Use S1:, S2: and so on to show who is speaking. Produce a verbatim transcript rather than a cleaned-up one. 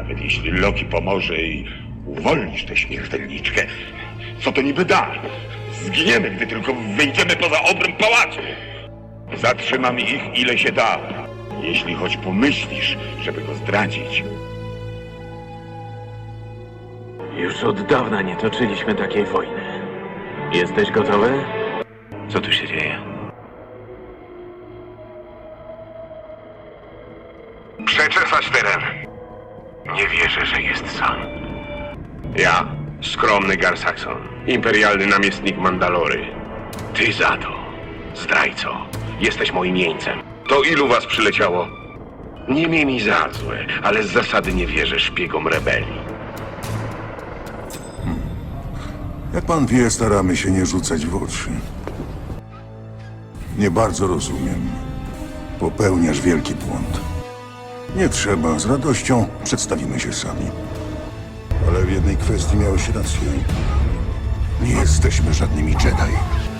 S1: Nawet jeśli Loki pomoże i uwolnisz tę śmiertelniczkę, co to niby da? Zginiemy, gdy tylko wyjdziemy poza obręb pałacu. Zatrzymam ich, ile się da. Jeśli choć pomyślisz, żeby go zdradzić.
S2: Już od dawna nie toczyliśmy takiej wojny. Jesteś gotowy? Co tu się dzieje?
S3: Przeczesać teren. Nie wierzę, że jest sam. Ja, skromny Gar Saxon, imperialny namiestnik Mandalory. Ty za to, zdrajco, jesteś moim jeńcem. To ilu was przyleciało? Nie miej mi za złe, ale z zasady nie wierzę szpiegom rebelii.
S4: Jak pan wie, staramy się nie rzucać w oczy. Nie bardzo rozumiem. Popełniasz wielki błąd. Nie trzeba, z radością przedstawimy się sami. Ale w jednej kwestii miałeś rację. Nie jesteśmy żadnymi Jedi.